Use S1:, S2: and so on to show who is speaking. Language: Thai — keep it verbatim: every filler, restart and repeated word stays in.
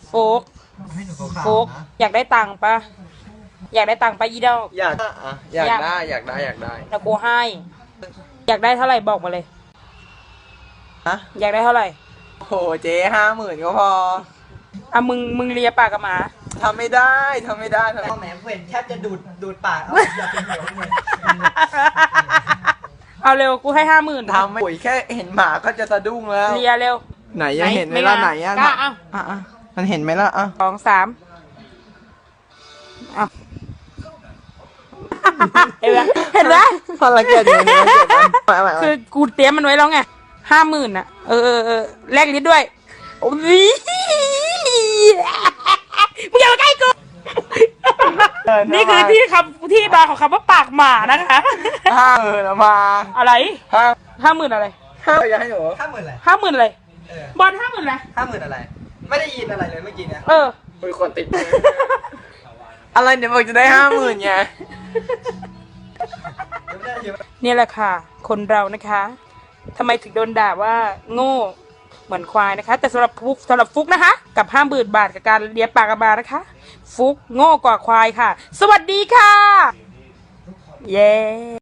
S1: โฟกโฟกอยากได้ตังค์ปะอยากได้ตังค์ปะอีดอก
S2: อยากอ่ะอยากได้อยากได้อยากได้
S1: แล้วกูให้ อยากได้เท่าไหร่บอกมาเลย
S2: ฮะ
S1: อยากได้เท่าไหร่
S2: โหเจ๊ห้าหมื่นก็พอ
S1: อ่ะมึงมึงเลียปากกับหมา
S2: ทำไม่ได้ทำไม่ได้ทำไม่
S3: พ่อแหมเพื่อนแทบจะดูดดูดปากเอาอย่าเป็นเหนียวเลย
S1: เอาเร็วกูให้ห้าหมื่น
S2: ทำไม่โอ้ยแค่เห็นหมาก็จะสะดุ้งแล้ว
S1: เลียเร็ว
S2: ไหนยังเห็นไหมล่ะไหนอ่ะ
S1: กล้าเอา
S2: อ่ะอ่ะมันเห็นไหมล่ะอ่ะ
S1: สองสามเอาเห็นไหมเห็นไหม
S2: พลังเกียจอยู่ในเกียจมันเอาใหม่เอาใหม่
S1: คือกูเตรียมมันไว้แล้วไงห้าหมื่นอ่ะเออเออเออแลกลิ้นด้วยโอ้ยมึงอย่ามาใกล้กูนี่คือที่คำที่มาของคำว่าปากหมานะคะ
S2: ห้าหมื่นเอามา
S1: อะไร
S2: ห้า
S1: ห้าหมื่นอะไร
S2: ห้าอย่าให้หนู
S3: ห้าหมื่นอะไร
S1: ห้าหมื่นอะไร
S3: เออบ
S1: อลห้าหมื่นอะไร
S3: ห้าหมื่นอะไร ไม่ได้ยินอะไรเลยเมื่อกี้เนี่ย
S1: เออ
S2: มีคนติดมืออะไรเดี๋ยวบอกจะได้ห้าหมื่นไง
S3: เดี๋ยวไม่ได้เดี๋ยว
S1: นี่แหละค่ะ คนเรานะคะทำไมถึงโดนด่าว่าโง่เหมือนควายนะคะ แต่สำหรับฟุกสำหรับฟุกนะคะ กับห้าหมื่นบาทกับการเลียปากกระบานะคะ ฟุกโง่กว่าควายค่ะ สวัสดีค่ะ เย้